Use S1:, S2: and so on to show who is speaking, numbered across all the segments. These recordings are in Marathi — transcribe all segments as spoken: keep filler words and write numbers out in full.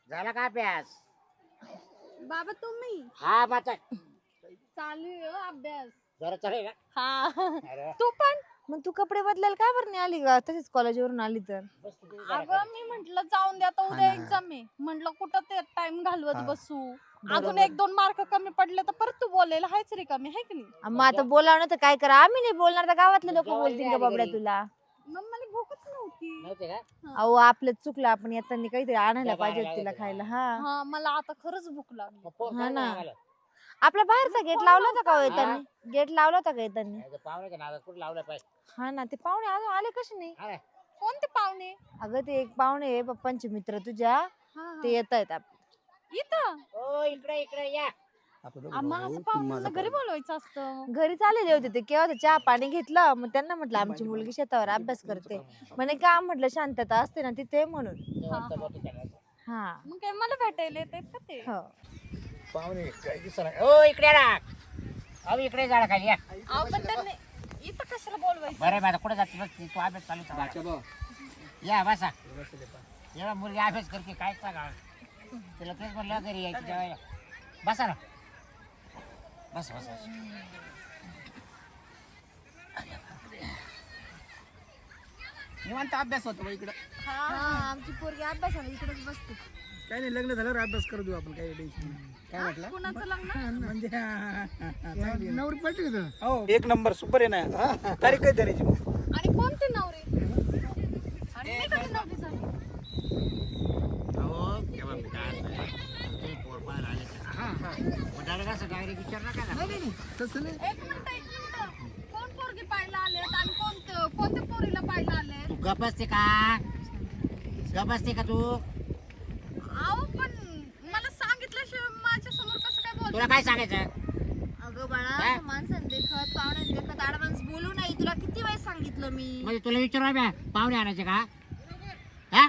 S1: झाला का अभ्यास?
S2: बाबा तुम्ही
S1: हा माझा
S2: चालू आहे हो अभ्यास.
S1: जरा चालेल ना.
S2: हा
S1: अरे
S2: तू पण.
S3: मग तू कपडे बदलायला काय बरं नाही आली का तशीच कॉलेजवरून आली तर?
S1: बस तू जरा
S2: अगं
S1: खाली.
S2: मी म्हंटल जाऊन द्या आता उद्या एक्झाम आहे, म्हंटल कुठं ते टाइम घालवत बसू. अजून एक दोन मार्क कमी पडले तर परत तू बोलायला हायच रिकामी आहे की नाही.
S3: मग आता बोलावं तर काय करा, आम्ही नाही बोलणार तर गावातले लोक
S1: जेवायला
S3: बोलतील का
S1: आली
S3: बाबड्या
S1: घरी.
S3: तुला?
S2: मग मला भूकच नव्हती.
S1: नव्हते का?
S3: अहो आपलं चुकलं, आपण येताना काहीतरी आणायला
S1: डबा
S3: पाहिजे
S1: आणायला
S3: तिला
S1: लागेल.
S3: खायला. हा
S2: हा मला आता खरंच भूक लागली.
S1: मग फोन
S3: हा
S1: कर
S3: ना.
S1: ना आम्हाला.
S3: आपला बाहेरचा गेट लावला होता का हो येताना? गेट लावला होता का येताना?
S1: नाही तर पाहुण्याच्या नादात कुठं लावलं पाहिजे.
S3: हा ना, ते पाहुणे अजून आले कसे नाही?
S1: हा.
S2: कोणते पाहुणे?
S3: अगं ते एक पाहुणे आहे पप्पांचे मित्र तुझ्या,
S2: हा, हा.
S3: ते येत आहेत.
S2: इथं
S1: ओ इकडे इकडे या.
S2: आम्हा असं पाहुण्यांना घरी बोलवायचं असतं.
S3: घरी चाललेले होते ते, केव्हा चहा पाणी घेतलं. मग त्यांना म्हटलं आमची मुलगी शेतावर अभ्यास करते, म्हणे का म्हटलं शांतता असते ना तिथे म्हणून.
S1: जेवण तर मोठं केलं.
S3: हा
S2: मग काय मला भेटायला येतात का ते?
S3: हो.
S1: पाहुणे काय दिसणार. ओ इकडे या ना. अहो इकडे झाडा खाली या.
S2: अहो पण त्यांनी इथं कशाला बोलवायचं?
S1: बरं माझा कुठे जाते बस तू अभ्यास चालू ठेवा. या बसा. जेव्हा मुलगी अभ्यास करते काय सांगा तिला तेच म्हणलं घरी यायची जेवायला. बसा ना. बस बस बस.
S4: निवांत अभ्यास होतो बा इकडं.
S3: हा आमची पोरगी अभ्यासाला इकडेच बसते.
S4: काही नाही, लग्न झाल्यावर अभ्यास करू देऊ आपण, काही टेन्शन नाही. काय म्हटलं
S2: कुणाचं लग्न?
S4: म्हणजे हा, हा, हा, हा, चांगली आहे. नवरी पलटी का तुला? हो एक नंबर सुपर आहे ना. तारीख काय धरायची मग?
S2: आणि कोणते नवरे? आणि मी कधी नवरी झाली?
S1: अहो केव्हा मी काय असं ते पोर बाहेर आले का?
S4: हा हा
S1: मग डायरेक्ट असं डायरेक्ट विचार नका ना.
S4: नाही नाही नाही, तसं नाही.
S2: एक मिनिट एक मिनिट. कोण पोरगी पाहायला आलेत आणि कोणतं कोणत्या पोरीला पाहायला आलेत?
S1: तू गप असते का? गप असते का तू?
S2: अहो पण मला सांगितल्याशिवाय माझ्या समोर कसं काय
S1: तुला
S2: बोलतो?
S1: काय सांगायचं?
S3: अगं बाळा,
S1: काय?
S3: असं माणसाने देखत पाहुण्याने देखत आडमाणस बोलू नाही. तुला किती वेळेस सांगितलं मी.
S1: म्हणजे तुला विचारू बॅ पाहुणे आणायचे का? हा?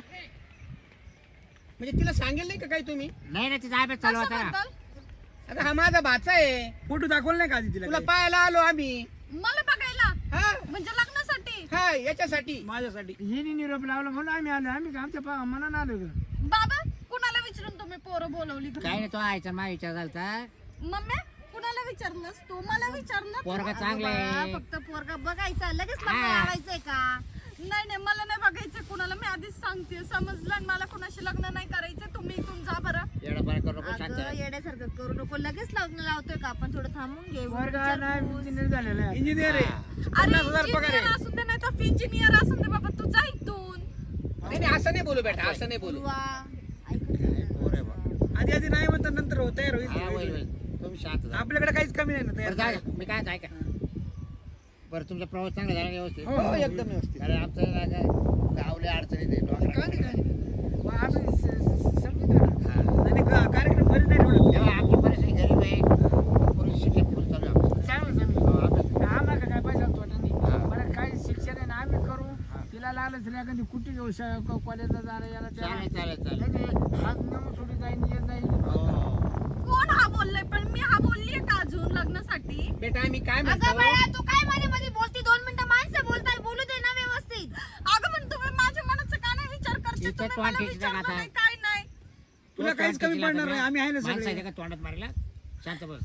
S4: म्हणजे तिला सांगेल नाही का काही तुम्ही?
S1: नाही ना तिचा अभ्यास चालू होता ना.
S2: कशाबद्दल?
S4: आता हा माझा भाचा आहे. फोटो दाखवला नाही का आधी तिला? तुला पाहायला आलो आम्ही.
S2: मला बघायला
S4: हा
S2: म्हणजे लग्नासाठी?
S4: हा याच्यासाठी माझ्यासाठी. हिने निरोप लावला म्हणून आम्ही आलो. आम्ही का आमच्या मनानं आलो का?
S2: बाबा कुणाला विचारून तुम्ही पोरं बोलवली घरी?
S1: काय नाही तो आयचा मा विचार झालता.
S2: मम्मी कुणाला विचारलंस तू? मला विचारलं.
S1: पोरगा चांगला
S3: बाळा,
S1: आहे.
S3: फक्त पोरगा बघायचा, लगेच लग्न
S1: हा.
S3: लावायचंय का?
S2: नाही नाही मला नाही बघायचं कुणाला. मी आधीच सांगते, समजलं आणि मला कुणाशी लग्न नाही करायचं. तुम्ही इथून जा बरं.
S1: एवढं बरं करू नको शांत
S3: अगं
S1: राहा.
S3: येड्यासारखं करू नको, लगेच लग्न लावतोय का आपण? थोडं थांबून घे.
S4: वर्गा नाही,
S3: विचारपूस.
S4: इंजिनियर झालेला आहे. इंजिनियर आहे.
S2: अरे
S4: पन्नास हजार पगार
S2: इंजिनियर
S4: आहे.
S2: असून दे नाही तर इंजिनियर असून दे बाबा, तू जा इथून.
S4: नाही नाही, असं नाही बोलू बेटा, असं नाही बोलू.
S3: बुवा, ऐकून घे.
S1: पोर आहे बा.
S4: आधी आधी नाही म्हणतात, नंतर हो तयार
S1: हा, होईल,
S4: होईल.
S1: होईल. तुम्ही शांत जा.
S4: आपल्याकडे काहीच कमी नाही ना
S1: बरं,
S4: तयार.
S1: जा. मी काय ऐका बरं तुमचा प्रवास चांगला झाला ना व्यवस्थित?
S4: हो हो एकदम व्यवस्थित.
S1: अरे आमचं ना काय गावले अडचणीत आहे, डोंगरात.
S4: काय नाही काय नाही. मग आम्ही स- स- समजू ना.
S1: हा.
S4: नाही नाही, का- कार्यक्रम घरी नाही ठेवला.
S1: तेव्हा आमची परिस्थिती गरीब आहे. पुरुष शिक्षण फुल चालू आहे आमचं.
S4: चांगलं चांगलं.
S1: हो, अभ्यास.
S4: आम्हाला का काय पैसा तोटा नाही.
S1: हा.
S4: बरं काय शिक्षण आहे ना आम्ही करू. तिला लागलं तरी एखादी कुठे घेऊ कॉलेजला जायला याला त्याला.
S1: चालेल चालेल चालेल.
S4: नाही, नाही, हात नेऊन सोडी जाईल येत जाईल.
S1: हो.
S2: कोण हा बोललाय? पण मी हा बोललीये का अजून लग्नासाठी?
S4: बेटा आम्ही काय
S3: अगं
S4: म्हणतो
S3: बाळा, तू काय मध्ये मध्ये बोलती? दोन मिनिटं माणसं बोलताय, बोलू दे ना व्यवस्थित.
S2: अगं पण तुम्ही माझ्या मनाचा का नाही विचार करते?
S1: इथं
S2: तुम्ही
S1: तोंड
S2: मला
S1: ठेचलं
S2: विचारलं
S1: का
S2: नाही, काय नाही.
S4: तुला काहीच कमी पडणार नाही. आम्ही आहे ना
S1: माणसं
S4: सगळे.
S1: आहे का तोंडात मारायला? शांत बस.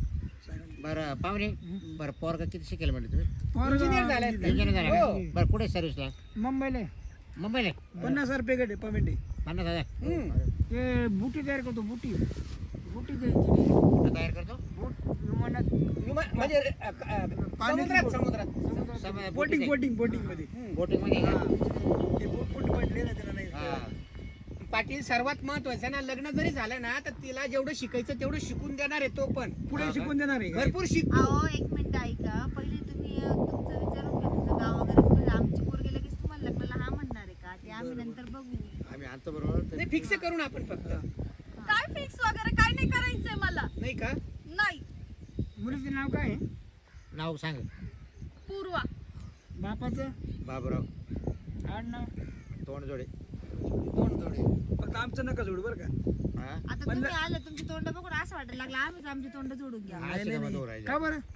S1: बरं पाहुणे बरं पोरगा किती शिकेल म्हणजे तुम्ही?
S4: इंजिनियर झालाय.
S1: इंजिनियर झाला
S4: हो.
S1: का? बरं कुठे सर्व्हिसला?
S4: मुंबईला
S1: मुंबईला?
S4: पन्नास हजार पेमेंट आहे पेमेंट आहे.
S1: पन्नास हजार
S4: ते बुटी तयार करतो बुटी बुटी द्यायची
S1: कुठं तयार करतो?
S4: विमानात म्हणजे समुद्रात समुद्रात
S1: सम-
S4: बोटिंग बोटिंग बोटिंग मध्ये
S1: बोटिंग मध्ये का?
S4: ते बोट बोट पडले ना त्याला
S1: हा.
S4: नाही. पाटील सर्वात महत्वाचं ना, लग्न जरी झालं ना तर तिला जेवढं शिकायचं तेवढं शिकून देणार आहे. तो पण पुढे शिकून देणार आहे. भरपूर शिक.
S3: अहो एक मिनिट ऐका, पहिले तुम्ही अं, तुमचं विचारून घ्या, तुमचं गाव वगैरे कुठं. आमची पोरगी लगेच तुम्हाला लग्नाला हा म्हणणार आहे का? ते आम्ही नंतर बघू.
S1: आम्ही आणतो बरोबर.
S4: नाही फिक्स करू ना आपण फक्त.
S2: काय फिक्स वगैरे काय नाही करायचंय मला.
S4: नाही का?
S2: नाही.
S4: मुलीचं नाव काय आहे?
S1: नाव सांग.
S2: पूर्वा.
S4: बापाचं
S1: बाबूराव
S4: आडनाव
S1: तोंडजोडे.
S4: दोन जोडे. फक्त आमचं नका जोडू बरं का.
S1: हा?
S3: आता तुम्ही आलं, तुमची तोंड बघून असं वाटायला लागलं आम्हीच आमची तोंड जोडून घ्या.
S1: अशी का मग दोरायची?
S4: का बरं?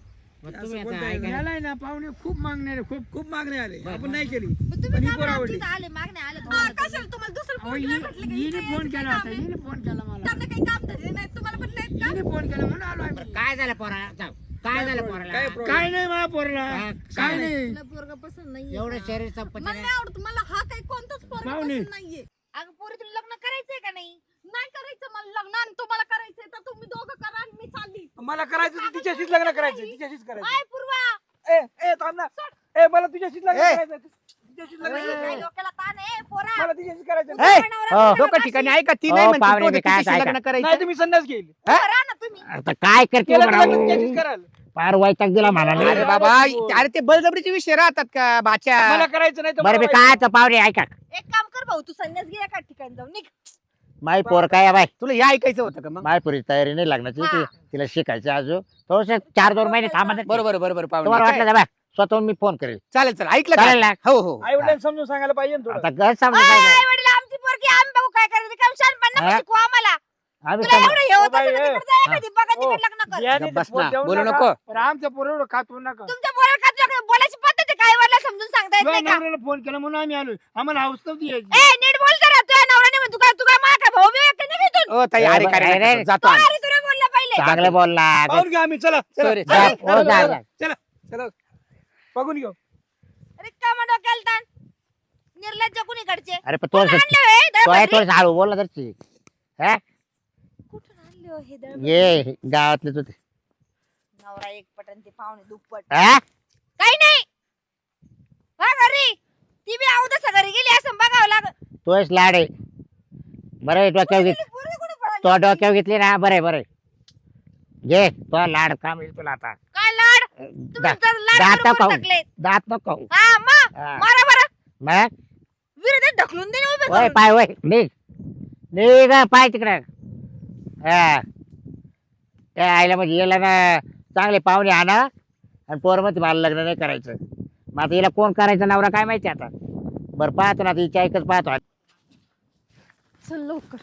S1: मग
S5: असं
S1: तुम्ही आता
S5: बोलता
S1: ऐका
S5: येईल.
S1: ना.
S5: याला आहे ना पाहुणे खूप मागणे आले, खूप खूप मागणे आले
S1: बरं,
S5: आपण नाही केली
S3: मग
S5: पण
S3: तुम्ही
S5: ही
S3: का
S5: पोर
S3: बरं
S5: आवडली
S3: आमच्या इथं आले मागणे आले
S2: हा,
S3: तुम्हाला
S2: कशाला तुम्हाला दुसरं
S5: अहो,
S2: फोन
S5: हि-
S2: नाही म्हटलं का?
S5: हिने
S2: इथे
S5: फोन
S2: यायचं
S5: केला
S2: काय
S5: होता
S2: काम आहे?
S5: हिने फोन केला मला
S2: त्यांना काही काम धरले नाही तुम्हाला पण नाहीत का?
S5: हिने फोन केला म्हणून आलो आम्ही
S1: काय झालं पोरा जाऊ काय झालं पोराला
S5: काय नाही माझ्या पोरला
S1: काय-
S5: काय
S1: काय
S5: नाही
S3: तुला पोरगा पसंत नाहीये
S1: एवढं
S3: का?
S1: शरीर
S2: मला
S1: संपत्ती
S2: नाही आवडत मला हा काही कोणताच पोरगा
S5: पाहुणे.
S2: पसंत नाहीये
S3: अगं पोरी तुला लग्न करायचंय का नाही
S2: नाही करायचं मला लग्न आणि तुम्हाला करायचंय तर तुम्ही दोघं करा आणि मी चालली
S5: मला करायचं तर तिच्याशीच लग्न करायचं तिच्याशीच करायचं
S2: काय पूर्वा
S5: ए ए थांब ना ए मला तुझ्याशीच लग्न
S1: ए.
S5: करायचं तिच्याशीच लग्न
S3: काय
S5: करायचं
S3: डोक्याला ताण आहे पोरा
S5: मला तिच्याशीच करायचं
S1: ए, हो.
S4: लोक ठिकाणी ऐका ती
S1: हो,
S4: नाही म्हणते
S1: पाहुणे,
S4: तो
S1: मी काय
S4: तिच्याशी
S1: ऐका.
S4: लग्न करायचं
S5: नाही तुम्ही संन्यास घेईल
S3: करा ना तुम्ही
S1: आता काय करते
S5: केलं तर लग्न
S1: बरं?
S5: तिच्याशीच कराल
S1: फार वैताग दिला मला
S5: अरे
S4: अरे
S1: नाही.
S4: बाबा अरे ते बळजबरीचे विषय राहतात का बाच्या
S5: मला करायचं नाही तर
S1: बरं मी
S5: मला
S1: काय तर पाहुणे ऐका
S2: एक काम कर भाऊ तू संन्यास घे एका ठिकाणी जाऊन निघ
S1: माय पोर काय आहे बाय
S4: तुला हे ऐकायचं होतं का मग
S1: माय पोरी तयारी नाही लागण्याची
S2: हा.
S1: ती- तिला शिकायचं अजून थोडस चार दोन महिने थांबा
S4: बरोबर बरोबर
S1: तुम्हाला
S4: पाहुणे
S1: वाटलं का बाय स्वतःहून मी फोन करेल
S4: चालेल चालेल ऐकलं
S1: चालेल
S4: का?
S1: ना
S4: हो हो
S5: आई वडिलांना समजून सांगायला पाहिजे ना
S1: आता
S5: थोडं
S1: घर समजून काय
S3: आई वडील आमची पोरगी आम्ही बघू काय करायचं काम शानपण
S1: हा?
S3: शिकू आम्हाला
S1: आम्ही
S3: तुला
S1: समजू-
S3: एवढं हे होत
S5: बाई,
S3: असेल तर
S5: ए.
S3: तिकडे जा
S1: हा.
S3: एखादी बघा
S5: हो.
S3: तिकडे लग्न कर
S5: याने
S4: बस
S5: बोल
S4: ना,
S5: देऊ
S4: बोलू
S5: नका.
S4: नको.
S5: पण आमच्या पोरं एवढं खातो नका
S3: तुमच्या पोरा खात बोलायची पद्धत आहे काय वरला समजून सांगता येत
S5: तुझ्या
S3: नाही का
S5: नवऱ्याला फोन केला म्हणून आम्ही आलो आम्हाला हाऊस नव्हती यायची
S3: ए नीट बोल जरा तुझ्या नवऱ्याने म्हणतो काय तू काय मा काय भाऊ बिऊ का नाही घेतून
S4: ओ ताई अरे
S1: अरे,
S4: काय
S1: अरे,
S4: जातो
S3: तो
S4: आम्ही.
S3: अरे तुला बोलला पहिले
S1: चांगलं बोलला
S5: पाहून घ्या आम्ही चला चला.
S4: Sorry,
S5: चला,
S1: sorry.
S5: चला,
S1: हो, जा,
S5: चला,
S1: जा.
S5: चला चला बघून घेऊ
S3: अरे का मग डोक्याला ताण निर्लज्ज कुणीकडचे
S1: अरे पण
S3: कोण
S1: थोडस
S3: आणले होय
S1: तो आहे
S3: दळभद्री?
S1: थोडस हळू बोलला तर ती. हा?
S3: कुठून आणले हो हे दळभद्री?
S1: ये गावातलेच होते
S3: नवरा एक पटन ते पाहुणे दुप्पट
S1: हा?
S3: काही नाही हा घरी ती बी अवदसा घरी गेली असं बघावं लागत
S1: तोच लाड आहे बरं आहे, डोक्यावर घेत
S3: पोरगी कुठे पळाली?
S1: तो डोक्यावर घेतली ना बरं आहे, बरं आहे. घे तो लाड काम येईल तुला आता
S3: काय लाड तुम्ही
S1: दा-
S3: तर लाड
S1: दात
S3: करून
S1: खाऊ.
S3: टाकले
S1: दात नको खाऊ.
S3: हा मग
S1: हा.
S3: मारा बरं
S1: मग
S3: विरोधात ढकलून दे ना उभे
S1: वय
S3: करून.
S1: पाय वय निघ निघ पाय तिकडे हा त्या आईला म्हणजे याला ना चांगले पाहुणे आणा आणि पोर मध्ये मला लग्न नाही करायचं मग आता हिला कोण करायचं नवरा काय माहिती आता बरं पाहतो ना आता हिच्या ऐकच पाहतो
S2: चल लवकर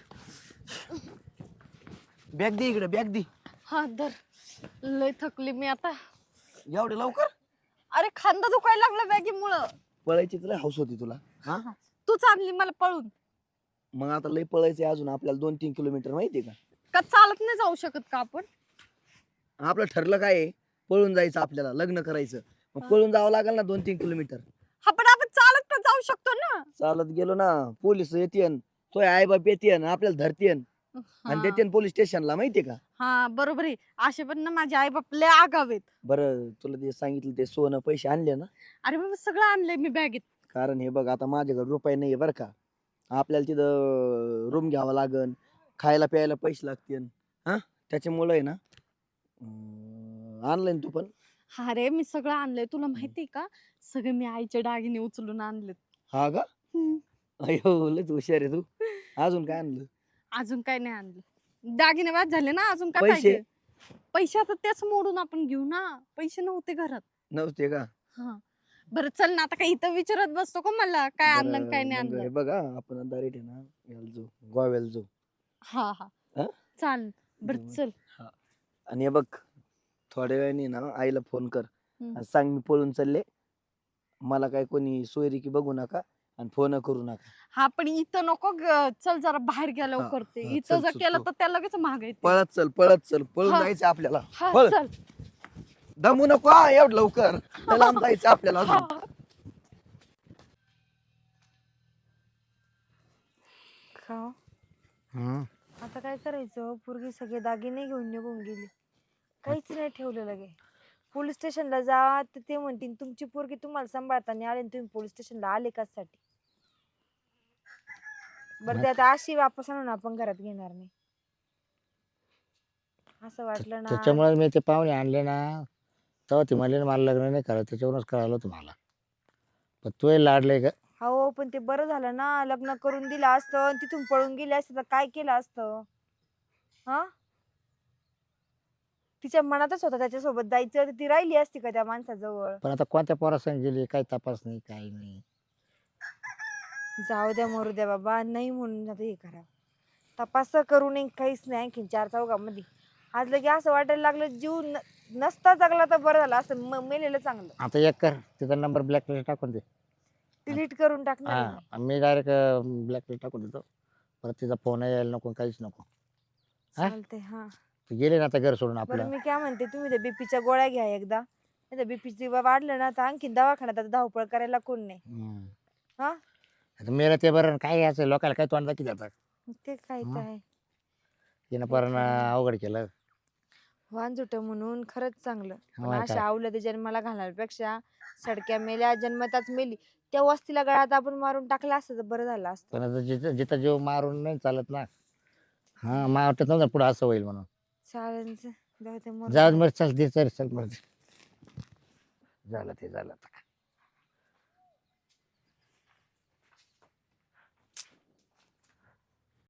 S6: बॅग दे इकडे बॅग दे
S2: हा धर लय थकली मी आता
S6: एवढे लवकर
S2: अरे खांदा दुखायला लागला बॅगीमुळं
S6: पळायची तुला हाऊस होती तुला हा
S2: तू चालली मला पळून
S6: मग आता लय पळायचंय अजून आपल्याला दोन तीन किलोमीटर माहितीये का
S2: का चालत नाही जाऊ शकत का आपण
S6: आपलं ठरलं काय आहे पळून जायचं आपल्याला लग्न करायचं मग पळून जावं लागेल ना दोन तीन किलोमीटर
S2: हा पण आपण चालत पण जाऊ शकतो ना
S6: चालत गेलो ना पोलीस येतेन तो आई बाप येतेन आपल्याला धरतेन आणि
S2: हा.
S6: देतेन पोलीस स्टेशनला माहितीये का
S2: हा बरोबर आहे असे पण ना माझे आई बाप लय आगावेत
S6: बरं तुला ते सांगितलं ते सोनं पैसे आणले ना
S2: अरे बाबा सगळं आणलंय मी बॅगेत
S6: कारण हे बघ आता माझ्याकडे रुपये नाहीये बरं का आपल्याला तिथं रूम घ्यावा लागन खायला प्यायला पैसे लागतील हा त्याच्यामुळे आहे ना आणलंय तू पण
S2: हा रे मी सगळं आणलंय तुला माहितीये का सगळे मी आईचे दागिने उचलून आणलेत
S6: हा का
S2: हम्म.
S6: अयो लयच हुशार आहे तू अजून काय आणलं
S2: अजून काय नाही आणलं दागिने बाद झाले ना अजून काय
S6: पैसे?
S2: पाहिजे पैसे आता तेच मोडून आपण घेऊ ना पैसे नव्हते घरात
S6: नव्हते का
S2: हा बरं चल ना आता काही इथं विचारत बसतो का मला काय आणलं आणि काय
S6: बरं,
S2: नाही
S6: मग हे
S2: आणलं
S6: बघा आपण डायरेक्ट आहे ना याला जाऊ गोव्याला जाऊ
S2: हा हा
S6: हा?
S2: चाल बर
S6: हम्म.
S2: चल
S6: आणि हे बघ थोड्या वेळाने ना आईला फोन कर
S2: हम्म.
S6: आणि सांग मी पळून चालले मला काय कोणी सोयरिकी बघू नका आणि फोन करू नका
S2: हा पण इथं नको ग- चल जरा बाहेर गेल्यावर
S6: हा,
S2: करते
S6: हा,
S2: इथं
S6: चल,
S2: जर
S6: चल,
S2: केलं
S6: चल.
S2: तर त्या लगेच महाग येते
S6: पळत चल पळत चल पळून
S2: हा.
S6: जायचं आपल्याला
S2: हा
S6: पळ.
S2: चल
S6: दमू नको हा एवढं लवकर त्या लांब जायचं आपल्याला अजून.
S2: हा.
S1: हम्म.
S3: आता काय करायचं पोरगी सगळे दागिने घेऊन निघून गेली काहीच नाही ठेवलं लगे पोलीस स्टेशनला जा तर ते म्हणतील तुमची पोरगी तुम्हाला सांभाळताना आले आणि तुम्ही पोलीस स्टेशनला आले कशासाठी बरं ते आता अशी वापस आणून आपण घरात घेणार नाही असं वाटलं ना
S1: त्याच्यामुळे मी ते पाहुणे आणले ना तेव्हा ती म्हणले ना मला लग्न नाही करायचं त्याच्यावरूनच कळालं तुम्हाला पण तू लाडले का
S3: हो पण ते बरं झालं ना लग्न करून दिलं असतं आणि तिथून पळून गेले असते तर काय केलं असतं हा तिच्या मनातच होतं त्याच्यासोबत जायचं तर ती राहिली असती का त्या माणसाजवळ
S1: पण आता कोणत्या पोरासंग गेली काही तपास नाही काही नाही
S3: जाऊ द्या मरू द्या बाबा नाही म्हणून आता हे करा तपास करू नये काहीच नाही आणखीन चार चौघामध्ये आज लगे असं वाटायला लागलं जीव न- नसता जगला तर बरं झालं असं म- मेलेलं चांगलं.
S1: आता एक कर तिचा नंबर ब्लॅकलिस्ट टाकून दे.
S3: डिलीट करून टाकणार आहे मी.
S1: हा मी डायरेक्ट ब्लॅकलिस्ट टाकून देतो. परत तिचा फोन यायला नको काहीच नको. हा?
S3: चालतंय हा.
S1: तू गेले ना आता घर सोडून
S3: बरं
S1: आपलं.
S3: मी काय म्हणते तुम्ही त्या बीपीच्या गोळ्या घ्या एकदा. नाही तर बीपीची वाढलं ना तर आणखी दवाखान्यात आता धावपळ करायला कोण नाही.
S1: हम्म.
S3: हा
S1: आता मेलं ते बरं काय याचं लोकांना काय तोंड दाखी जातात.
S3: ते काय तर आहे.
S1: तिनं
S3: ते
S1: पण
S3: खरं आहे.
S1: अवघड केलं.
S3: वांजुट म्हणून खरंच चांगलं. पण
S1: होय
S3: अशा
S1: काय.
S3: आवलं जन्माला घालण्यापेक्षा सडक्या मेल्या जन्मताच मेली त्या वस्तीला गळ्यात आपण मारून टाकला असतं तर बरं झालं असतं.
S1: पण आता जिथं जिथं जीव मारून नाही चालत ना. हा मला वाटत नव्हतं पुढं असं होईल म्हणून.
S3: चालेल जाऊ दे मरू
S1: जाऊ
S3: दे.
S1: दे, बरं चल दे चल चल बरं. झालं ते झालं आता.